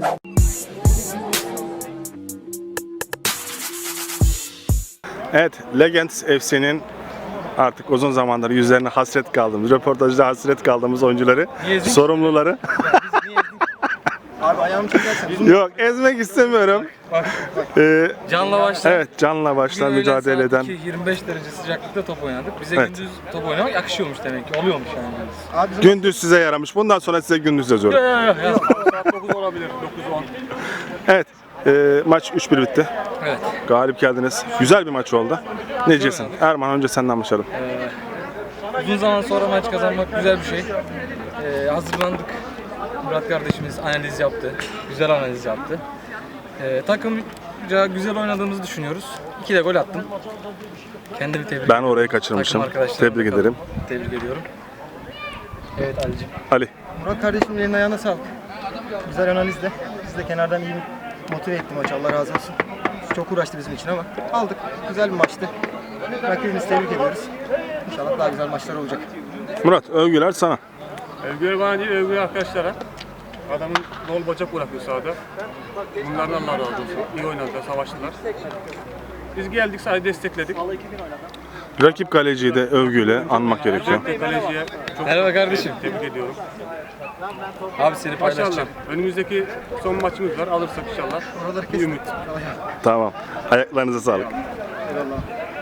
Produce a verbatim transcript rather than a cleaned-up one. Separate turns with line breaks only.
Evet, Legends F C'nin artık uzun zamandır yüzlerine hasret kaldığımız, röportajda hasret kaldığımız oyuncuları, sorumluları.
Abi ayağımı çekersen.
Yok, ezmek istemiyorum. Ee,
Canla başla.
evet, canla başla mücadele eden.
yirmi beş derece sıcaklıkta top oynadık. Bize
Evet.
gündüz top oynamak yakışıyormuş demek ki. Oluyormuş yani.
Abi bizim
Gündüz size yaramış. Bundan sonra size gündüz yazıyorum.
Yok yok yok.
saat dokuz olabilir. dokuz on.
Evet, e, maç üç bir bitti.
Evet.
Galip geldiniz. Güzel bir maç oldu. Ne diyeceksin? Erman, önce senden başlayalım.
Uzun zaman sonra maç kazanmak güzel bir şey. Ee, hazırlandık. Murat kardeşimiz analiz yaptı. Güzel analiz yaptı. Ee, takımca güzel oynadığımızı düşünüyoruz. İki de gol attım. Kendimi tebrik
Ben orayı kaçırmışım.
Takım arkadaşlarımı
Tebrik
da
ederim.
Tebrik ediyorum. Evet Ali'ciğim.
Ali.
Murat kardeşimin elinin ayağına sağlık. Güzel analizle. Biz de kenardan iyi bir motive etti maçı. Allah razı olsun. Çok uğraştı bizim için ama aldık. Güzel bir maçtı. Rakibimizi tebrik ediyoruz. İnşallah daha güzel maçlar olacak.
Murat, övgüler sana.
Övgüler bana değil, övgüler arkadaşlara. Adamın dol bacak bırakıyor sahada. Bunlardan Allah razı olsun. İyi oynadılar, savaştılar. Biz geldik, sadece destekledik.
Rakip kaleciyi de övgüyle anmak gerekiyor.
Özellikle kaleciye çok
Merhaba kardeşim.
tebrik ediyorum.
Abi seni
Maşallah.
paylaşacağım.
Önümüzdeki son maçımız var. Alırsak inşallah.
Oraları
Bir
kesin.
ümit.
Tamam. Ayaklarınıza sağlık.
Eyvallah.